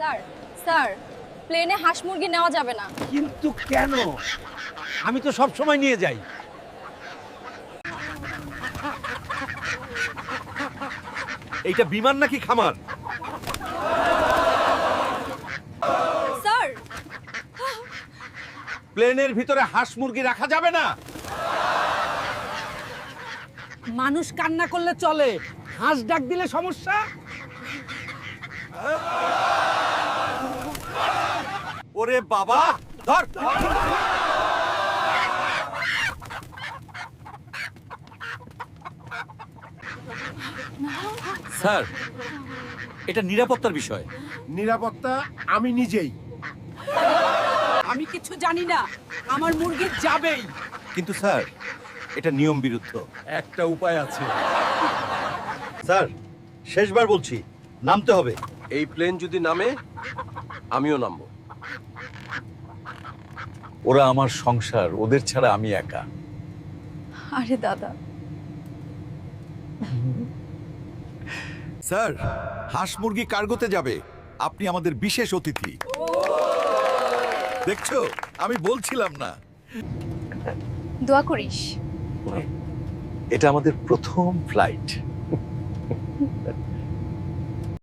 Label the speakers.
Speaker 1: Sir sir প্লেনে হাঁস মুরগি নেওয়া যাবে না।
Speaker 2: কিন্তু কেন? আমি তো সব সময় নিয়ে যাই। এইটা বিমান নাকি খামার?
Speaker 1: স্যার
Speaker 2: প্লেনের ভিতরে হাঁস মুরগি রাখা যাবে না।
Speaker 3: মানুষ কান্না করলে চলে, হাঁস ডাক দিলে সমস্যা।
Speaker 2: ওরে বাবা, ধর। স্যার, এটা নিরাপত্তার বিষয়।
Speaker 4: নিরাপত্তা আমি নিজেই।
Speaker 3: আমি কিছু জানি না, আমার মুরগি যাবেই।
Speaker 2: কিন্তু স্যার, এটা নিয়ম বিরুদ্ধ।
Speaker 4: একটা উপায় আছে।
Speaker 2: স্যার, শেষবার বলছি, নামতে হবে।
Speaker 4: এই প্লেন যদি নামে আমিও নামবো।
Speaker 2: ওরা আমার সংসার, ওদের ছাড়া আমি একা।
Speaker 1: আরে দাদা,
Speaker 5: স্যার, হাঁস মুরগি কার্গোতে যাবে। আপনি আমাদের বিশেষ অতিথি। দেখছো, আমি বলছিলাম না।
Speaker 1: দোয়া করিস।
Speaker 2: এটা আমাদের প্রথম ফ্লাইট।